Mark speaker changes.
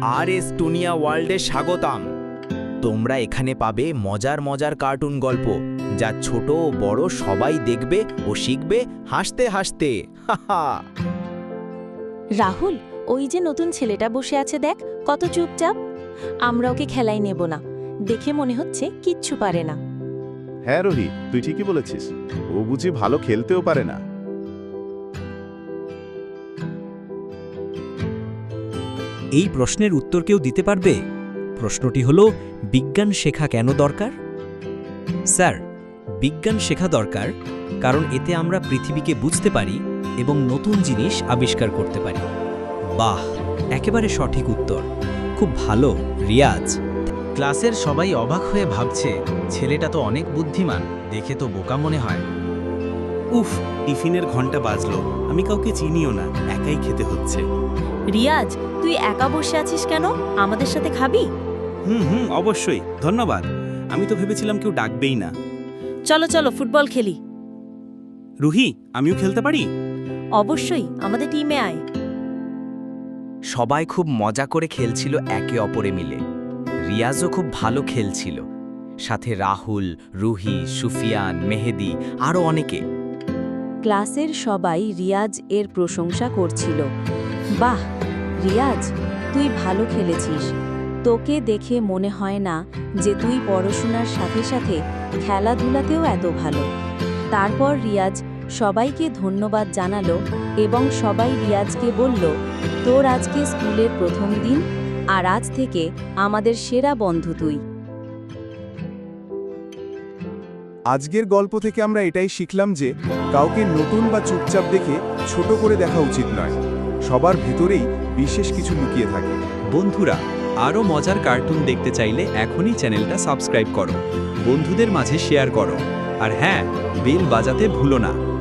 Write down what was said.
Speaker 1: আর S টুনিয়া ওয়ার্ল্ডে স্বাগতম। তোমরা এখানে পাবে মজার মজার কার্টুন গল্প, যা ছোট ও বড় সবাই দেখবে ও শিখবে হাসতে হাসতে। হাহা।
Speaker 2: রাহুল, ওই যে নতুন ছেলেটা বসে আছে দেখ, কত চুপচাপ। আমরা ওকে খেলায় নেব না, দেখে মনে হচ্ছে কিচ্ছু পারে না।
Speaker 3: হ্যাঁ রোহি, তুই ঠিকই বলেছিস। ও বুঝি ভালো খেলতেও পারে না।
Speaker 4: এই প্রশ্নের উত্তর কেউ দিতে পারবে? প্রশ্নটি হলো, বিজ্ঞান শেখা কেন দরকার? স্যার, বিজ্ঞান শেখা দরকার কারণ এতে আমরা পৃথিবীকে বুঝতে পারি এবং নতুন জিনিস আবিষ্কার করতে পারি। বাহ, একেবারে সঠিক উত্তর। খুব ভালো রিয়াজ।
Speaker 1: ক্লাসের সবাই অবাক হয়ে ভাবছে, ছেলেটা তো অনেক বুদ্ধিমান, দেখে তো বোকা মনে হয়।
Speaker 5: উফ, টিফিনের ঘন্টা বাজলো, আমি কাউকে চিনিও না, একাই খেতে হচ্ছে।
Speaker 2: রিয়াজ, তুই একা বসে আছিস কেন? আমাদের সাথে খাবি?
Speaker 5: হুম, অবশ্যই, ধন্যবাদ। আমি তো ভেবেছিলাম কেউ ডাকবেই না।
Speaker 2: চলো চলো ফুটবল খেলি।
Speaker 5: রুহি, আমিও খেলতে পারি?
Speaker 2: অবশ্যই, আমাদের টিমে আয়।
Speaker 1: সবাই খুব মজা করে খেলছিল একে অপরে মিলে। রিয়াজও খুব ভালো খেলছিল, সাথে রাহুল, রুহি, সুফিয়ান, মেহেদি আরও অনেকে।
Speaker 2: ক্লাসের সবাই রিয়াজ এর প্রশংসা করছিল। বাহ রিয়াজ, তুই ভালো খেলেছিস। তোকে দেখে মনে হয় না যে তুই পড়াশোনার সাথে সাথে খেলাধুলাতেও এত ভালো। তারপর রিয়াজ সবাইকে ধন্যবাদ জানালো এবং সবাই রিয়াজকে বলল, তোর আজকে স্কুলের প্রথম দিন, আর আজ থেকে আমাদের সেরা বন্ধু তুই।
Speaker 3: আজকের গল্প থেকে আমরা এটাই শিখলাম যে কাউকে নতুন বা চুপচাপ দেখে ছোট করে দেখা উচিত নয়। সবার ভেতরেই বিশেষ কিছু লুকিয়ে থাকে।
Speaker 4: বন্ধুরা, আরও মজার কার্টুন দেখতে চাইলে এখনই চ্যানেলটা সাবস্ক্রাইব করো, বন্ধুদের মাঝে শেয়ার করো, আর হ্যাঁ, বেল বাজাতে ভুলো না।